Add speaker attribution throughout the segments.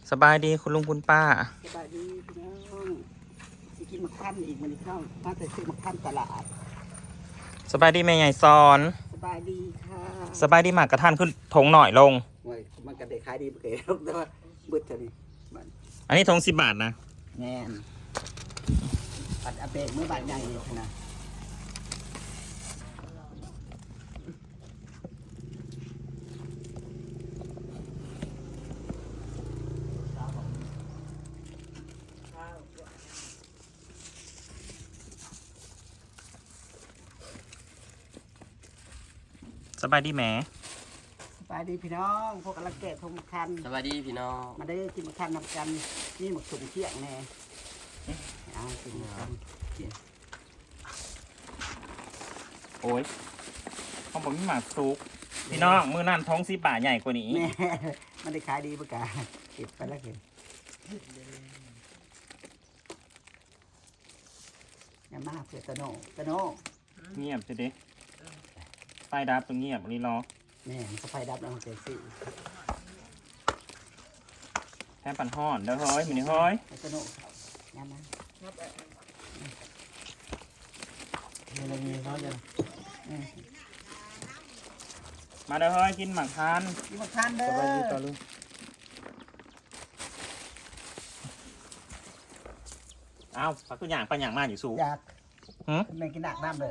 Speaker 1: สบายดีคุณลุงคุณป้า
Speaker 2: สบายดีพี่น้องสิกินมะขั่นอีกมันเข้ามาแต่ซื้อมะขั่นตลาด
Speaker 1: สบายดีแม่ใหญ่ซอน
Speaker 2: สบายดีค่ะ
Speaker 1: สบายดีหมากกระทันขึ้นทงหน่อยลง
Speaker 2: โอ้ยมันก็ได้ขายดีเก๋แต่ว่าเบิดเท่านี้มัน
Speaker 1: อันนี้ทง10 บาทนะ
Speaker 2: แน่นปัดอาเปกเมื่อบาทใหญ่เลยนะ
Speaker 1: สบายดีแหม
Speaker 2: สบายดีพี่น้องพวกกำลังแกะทงมะขั่น
Speaker 3: สวัสดีพี่น้อง
Speaker 2: มาได้กินมะขั่นนำกันนี่หมกสุ่มเที่ยงแน่เอากินมะขั่น
Speaker 1: โอ้ยเขาบอกมีหมากซุกพี่น้องมือนั่นทง10 บาทใหญ่กว่านี้
Speaker 2: แม่มันได้ขายดีปะกาเก็บไปแล้วเก็บอย่ามาเพื่อตะโน
Speaker 1: เงียบสิเด้ไฟดับตรงเงียบอันนี้รอ
Speaker 2: แม่มันก็ไฟดับแล้วมันเกิดสิ
Speaker 1: แค่ปั่นห่อนเด้อเฮ้ยมันนี่เฮ้ย
Speaker 2: ตะโนอย่ามา
Speaker 3: อะไรมีเขาจะ
Speaker 1: มาเด้อเฮ้ยกินหมากทาน
Speaker 2: กินมะขั่นเด้
Speaker 3: สวัสดี
Speaker 2: อ
Speaker 3: ต่อลุง
Speaker 1: อ้าวพักตัวอย่างปัญญางมาอยู่สูง
Speaker 2: อยาก
Speaker 1: หืม
Speaker 2: แม่กินหนักน้ำเลย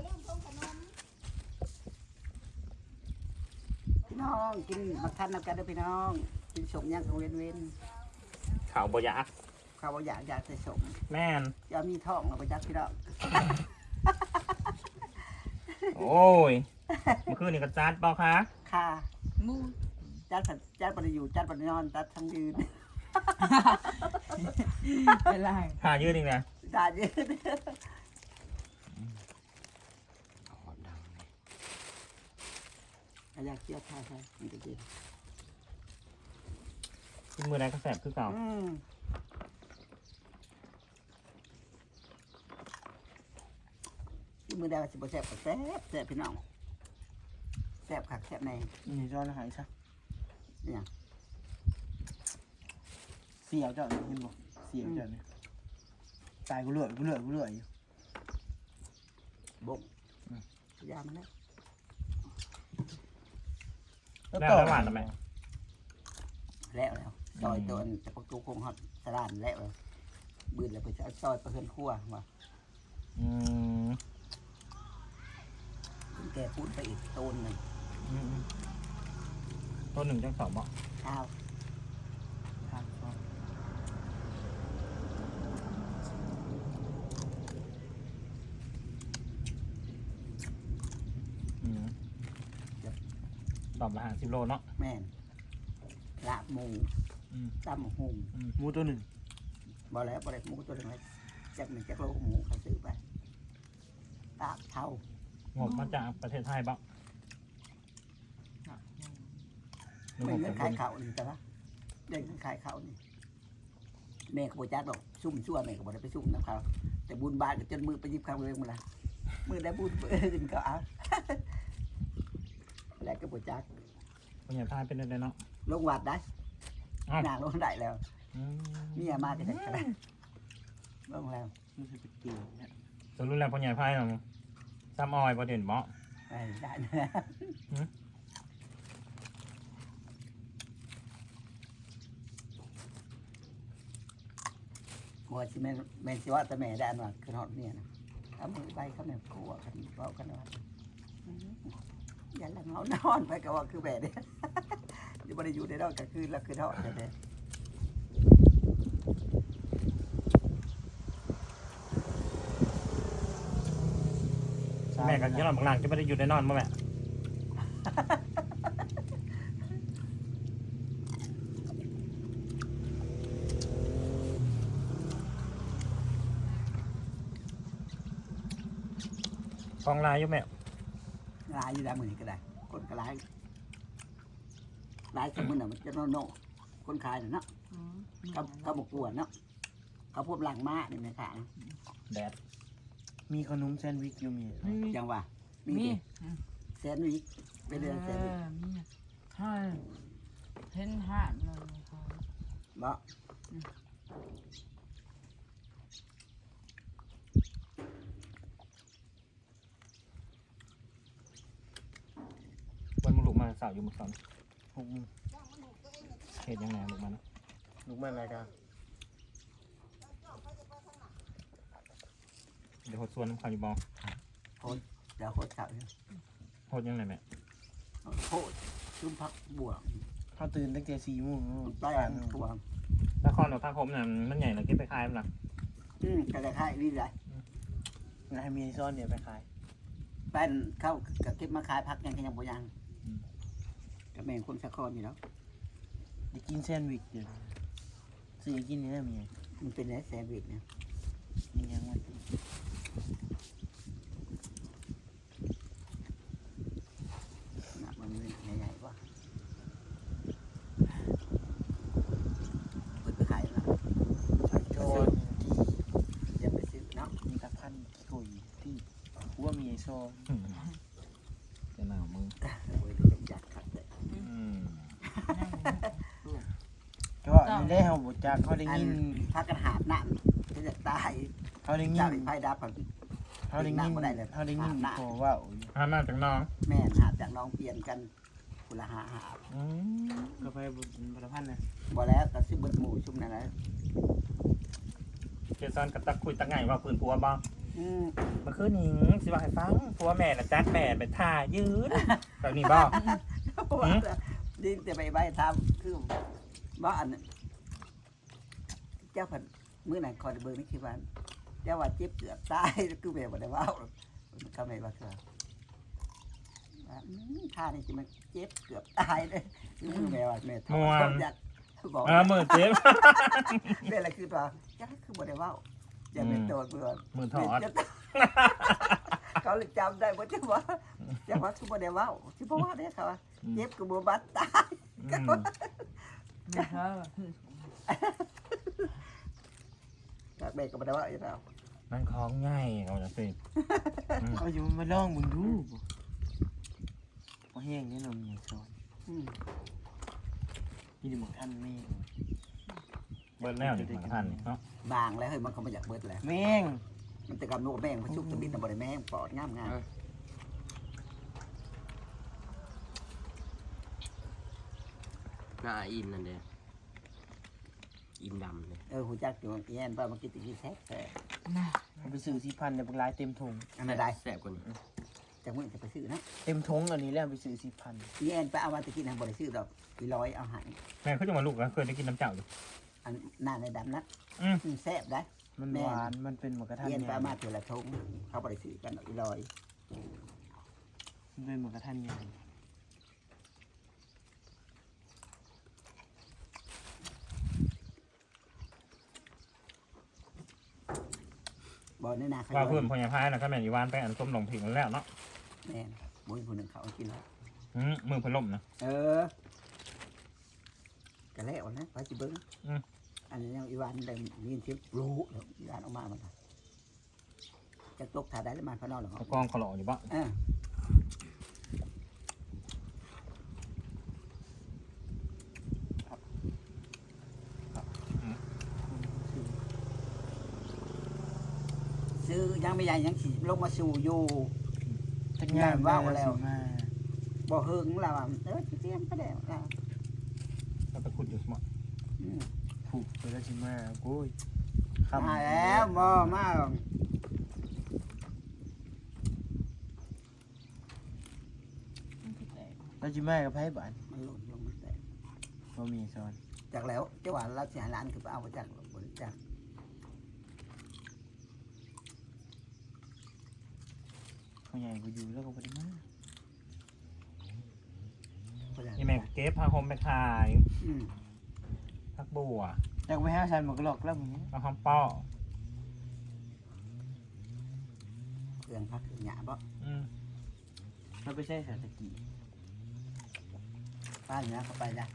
Speaker 2: พี่น้องกินมะขั่นนำกันเด้อพี่น้องกินสมย่างของเว้น
Speaker 1: ข่าวบอยาก
Speaker 2: ๆเขาบอกอยากใส่สม
Speaker 1: แม่น
Speaker 2: อย่ามีท้องเราไปจักพี่น้อง
Speaker 1: โอ้ยเมื่อคืนนี่ก็จัดเปล่าคะ
Speaker 2: ค่ะจัดปฏิอยู่จัดปฏินอนจัดทั้งยืน
Speaker 4: เป็นไร
Speaker 1: ค่ายืดอีกนะ
Speaker 2: จัดยืนอยากเที่ยวท่าใช่มันจะดี
Speaker 1: กินมือใดก็แสบคือเก่า
Speaker 2: ที่มือได้ว่าสิบแซ่บก็แซ่บพี่น้องแซ่บคักแซ่บใน
Speaker 3: นี่ย้อนหายซะ
Speaker 2: เนี่ย
Speaker 3: เสียวเจ้าเห็นบ่เสียวเจ้าเนี่ยตายกูเลื่อยอยู่
Speaker 2: บกยามันแล้ว
Speaker 1: แล้วหวานทำไม
Speaker 2: แล้วซอยตัวจะประตูคงฮอดสลานแล้วบืนแล้วไปจะซอยประเพื่อนขั้วว่า
Speaker 1: อืม
Speaker 2: แกพูดไปอีกต้นหนึ่ง
Speaker 1: ต้น1จัง2เหมาะ
Speaker 2: ข้าว
Speaker 3: ทางซ้อน
Speaker 1: ตอบละ50 โลเนาะ
Speaker 2: แม่นลาบหมู
Speaker 1: อืม
Speaker 2: ตำหุง
Speaker 3: หมูตัวหนึ่ง
Speaker 2: บ่แล้วบ่ได้หมูตัวหนึงเลยจักโลหมูเขาซื้อไปตาบเท่าง
Speaker 1: บมาจากประเทศไทยบ้าง
Speaker 2: ไม่เงินขายเขานี่แต่ละเงินขายเขานี่แม่ก็บ่จักดอกซุ่มชั่วแม่ก็บ่ได้ไปซุ่มน้ำเขาแต่บุญบาทก็จนมือไปหยิบข้าวเรื่องมาละมือได้บุญจนก็เอา แล้วก็บ่จัก
Speaker 1: คนใหญ่พายเป็นอะไรเนาะ
Speaker 2: ลงวัดได้
Speaker 1: อ้าว
Speaker 2: นางลงได้แล้ว
Speaker 1: อืม
Speaker 2: เมียมาก็ได้ก็ได้ลงแล้ว
Speaker 3: มันจะเป็นเกลียวเนี่ย
Speaker 1: สรุปแล้วคนใหญ่พายเนาะซ้ำออยประเด็นเหมาะ
Speaker 2: ได้นะ
Speaker 1: หืม
Speaker 2: หัวสิแม่สิว่าแต่แม่ได้อันว่าคือฮอดเมียนะเอามือไปเขาแม่กลัวกันเว้ากันว่าอย่าละเงานอนไปก็ว่าคือแบบนี้ อยู่บ่ได้อยู่ในดอกก็คือแล้วคือทอดกันเด้
Speaker 1: แม่กับยี่หล่อนบางหลังจะไม่ได้อยู่ในนอนมั้งแม่กองลายอยู่แม่
Speaker 2: ลายอยู่ได้มือนี้ก็ได้ คนก็ลายสมมุติน่ะมันจะโน่คนขายน่ะเนาะเขาบ่กลัวเนาะเขาพวกหลังม้านี่แม่ค่ะ
Speaker 1: แดด
Speaker 3: มีขนมแซนด์วิชอยู่มี
Speaker 2: จังว่ามี
Speaker 4: มี
Speaker 2: แซนด์วิชไปเดือนแซนด์วิช
Speaker 4: มีใช่เห็นห่านเลยค่ะ
Speaker 2: บ่
Speaker 1: วันมึงลุกมาสาวอยู่มึงสอน
Speaker 3: หกโมง
Speaker 1: เหตุยังไงลุกมานะ
Speaker 3: ลูกแม่รายการ
Speaker 1: เดี๋ยวหดส่วนน้ำข้าวอยู่บอง
Speaker 2: เดี๋ยวโคตรเก่าเนี่ย
Speaker 1: หดยังไงแม่
Speaker 2: โคตรชุ่มพักบวก
Speaker 3: เขาตื่นตั้งแต่4 โมง
Speaker 2: ใต้อันตัว
Speaker 1: ละครกับภาคคมเนี่ยมันใหญ่เลยเก็บไปขายมันหลัง
Speaker 2: กระไรค่ายนี่แหละ
Speaker 3: ให้เมียซ่อนเนี่ยไปขาย
Speaker 2: แป้นเข้ากับเก็บมาขายพักยังยังบ่ยังกับแมงคนสะคอนอยู่แล้ว
Speaker 3: จะกินแซนด์วิชอยู่ซื้อกินนี่นะเมีย
Speaker 2: มันเป็นไงแซนด์วิชเนี่ย
Speaker 3: นี่ยังมัน
Speaker 2: มันใหญ่ๆว่ะเปิดไปขายแล้ว
Speaker 3: โจนที่
Speaker 2: จะไปซื้อเนาะ
Speaker 3: มีตะพันกี่กุยที่หัวเมียซ่อน
Speaker 1: จะหนาวมึง
Speaker 2: โอ้ยอยากขัดเลย
Speaker 3: ก็ไม่ได้เขาบจักเขาได้ยิน
Speaker 2: พักกันหาบน้ำที่จะตาย
Speaker 3: เขาได้ยิ
Speaker 2: เจ้าน ไฟดับก่อน
Speaker 3: เขาได้ยินเขาได้ยินพอว่า
Speaker 1: ห้ามมาจากน้อง
Speaker 2: แม่หาบจากน้องเปลี่ยนกันคุณละหาบ
Speaker 3: ก็ไปบุญตะพันนะ
Speaker 2: บ่แล้วก็ซื้อเบิดหมูชุ่มนั่นแหละ
Speaker 1: เจสันกับตักคุยตักไงว่าปืนผัวบ้าง
Speaker 2: อืม
Speaker 1: มันคือหนิงสิว่าให้ฟังผัวแม่น่ะจัดแม่ไปท่ายืดแบบนี้บ้าง
Speaker 2: ดินแต่ใบทำคือว่าอันเจ้าผัดมื้อไหนคอยเบิ่งนี่คิดว่าเจ้าว่าเจ็บเกือบตายคือแบบบ่ได้ว่าเขาไม่ว่าคือท่านี่สิมันเจ็บเกือบตายเลยคือแบบว่าแม่ทำอยากบอก
Speaker 1: มือเจ็บ
Speaker 2: เป็นอะไรคือตัวยักษ์คือบ่ได้ว่าอย่าเป็นโดนเบื่อ
Speaker 1: มือถอด
Speaker 2: เขาเลยจำได้ว่าจะว่าคือบ่ได้ว่าคือเพราะว่าเนี่ยเขาเจ็บกับบ่บัดตาย
Speaker 4: ไม่ใช่
Speaker 2: จากเด็กก็บ่ได้ว่าอีกแล้ว
Speaker 1: มันคล้องง่ายเอาจะสิ
Speaker 3: เขาอยู่มาลองมึงดูว่าแห้งนี่เราเมียซ่อนนี่ดูเหมือนท่านแม่
Speaker 1: เบิร์ดแล้วนี่มาทันเนาะ
Speaker 2: บางแล้วเฮ้ยมันก็บ่อยากเบิดแล้ว
Speaker 3: แม่ง
Speaker 2: มันแต่กับนกแม่งมันชุบตะบิดน่ะบ่ได้แม่งปอดงาม
Speaker 5: หน้าอินนั่นเด้อินดำเลย
Speaker 2: หูจักอยู่แย่นว่ามันกินตะกี้แท้
Speaker 3: เอาไปซื้อ4,000เนี่ยบางรายเต็มถุง
Speaker 2: อันนั้นได้
Speaker 5: แสบกว่านี้
Speaker 2: จากมื้อจะไปซื้อนะ
Speaker 3: เต็มถุงอันนี้แล้วไปซื้อ4,000
Speaker 2: แย่นไปเอามาตะกี้น่ะบ่ได้ซื้อดอก100เอาให้
Speaker 1: แม่เขาจะมาลูกแล้วเคยได้กินน้ำเจ้าอยู่
Speaker 2: อันหน้าในดำนะแซ่บได้
Speaker 3: มันหวานมันเป็นหมูกระทะ
Speaker 2: แย่นไป
Speaker 3: ใหญ่
Speaker 2: เอามาเทื่อละทงเขาบ่ได้ซื้อกันดอก100
Speaker 3: มันเป็นหมูกระทะใหญ่
Speaker 2: บ่ในนาเขา
Speaker 1: ว่าเพื่อนพญาพายนะก็แม่นอีวานไปอันต้มหลงผิงแล้วเนาะ
Speaker 2: แม่นบ่มีผู้หนึงเขาเอากินแล้ว
Speaker 1: มือเพิ่นล่มนะ
Speaker 2: ก็แล้วนะไปสิเบิ่งอันนี้ยังอีวานได้ยินเสียงรู้แล้วอีวานออกมามันจะตกถ่าได้แล้วมาเขานอนหรอ
Speaker 1: เอากองขลออยู่บ่
Speaker 2: ซื้อยังไม่ใหญ่ยังสิลงมาสู่อยู่
Speaker 3: ทั้งงานว่าแล้วมา
Speaker 2: บ่เฮิงแล้วเตรียมก็ได้แล้ว
Speaker 1: ก็ตะคุดอยู่สมอง
Speaker 3: ผูกไปแล้วชิมาโอ้ย
Speaker 2: มาแล้วบ่มา
Speaker 3: แล้วชิมากับไพ่บ้าน
Speaker 2: มันหล่นลงมาแต่
Speaker 3: บ่มีซ้อน
Speaker 2: จากแล้วเจ้าหวานเราสิหาร้านคือไปเอามาจากบริจาค
Speaker 3: เขาใหญ่กูอยู่แล้วก็บ่ได้มา
Speaker 1: นี่แม่เก็บผ้าห่มไปขายพักบัว
Speaker 3: อยากไปหาฉันหมกหลอกแล้วมึง
Speaker 1: ผ้าห่มป้อ
Speaker 2: เครื่องพักเครื่องหยาบ่
Speaker 3: เราไปใช้สารตะกี้
Speaker 2: ป้าเนี่ยเขาไปนะ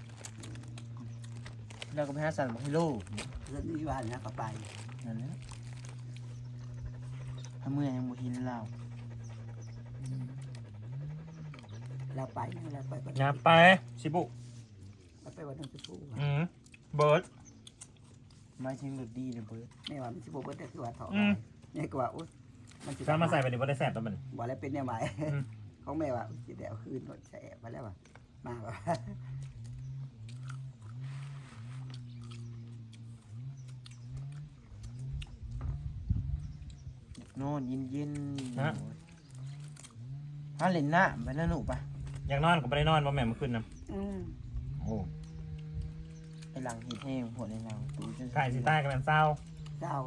Speaker 3: เราก็ไปหาสันหมกให้โลก
Speaker 2: เพื่อนอีวานเนี่ยเขาไป
Speaker 3: นั่นแหละถ้าเมื่อยังบ่เห็นเรา
Speaker 2: เราไปเราไป
Speaker 1: อย่าไปชิบุ
Speaker 2: เราไปวันนั้นจะพูด
Speaker 1: เบิร์ด
Speaker 3: มาชิงรถดีเลยเบิร์ด
Speaker 2: แม่ว่ามันสิบ่เบิดแต่คือว่าถอดแม่ก็ว่าอุ๊ยมันสิ
Speaker 1: ถ้ามาใส่ไปนี่บ่ได้แซ่บแล้วมัน
Speaker 2: บ่แล้วเป็นแนวหมาย
Speaker 1: อืม
Speaker 2: ของแม่ว่าสิได้เอาคืนรถแสบไปแล้วว่ามาว่า
Speaker 3: นอนเย็น
Speaker 1: ฮะ
Speaker 3: ถ้าเล่นหน้าไปนะหนูปะ
Speaker 1: อยากนอนก็บ่ได้นอนบ่แม่เมื่อคืนนํ
Speaker 2: อืม
Speaker 1: โอ้
Speaker 3: ไอหลังฮีแห้งหัวในหลังตูจน
Speaker 1: ไก่สิใต้กันเป็นเศร้า
Speaker 2: เจ้า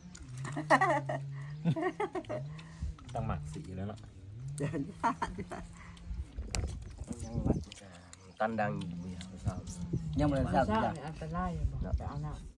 Speaker 1: ต้องหมักสีแล้วเนาะ
Speaker 2: เดินยาก
Speaker 5: ยังหลับตันดังอยู่เนี่ยเศร้า
Speaker 2: ยังบ่ได้
Speaker 4: มัน
Speaker 2: ทราบ
Speaker 4: เช้า
Speaker 2: จ้ะ
Speaker 4: เนี่ยอันตรายอยู่บอกไปเอาหน้า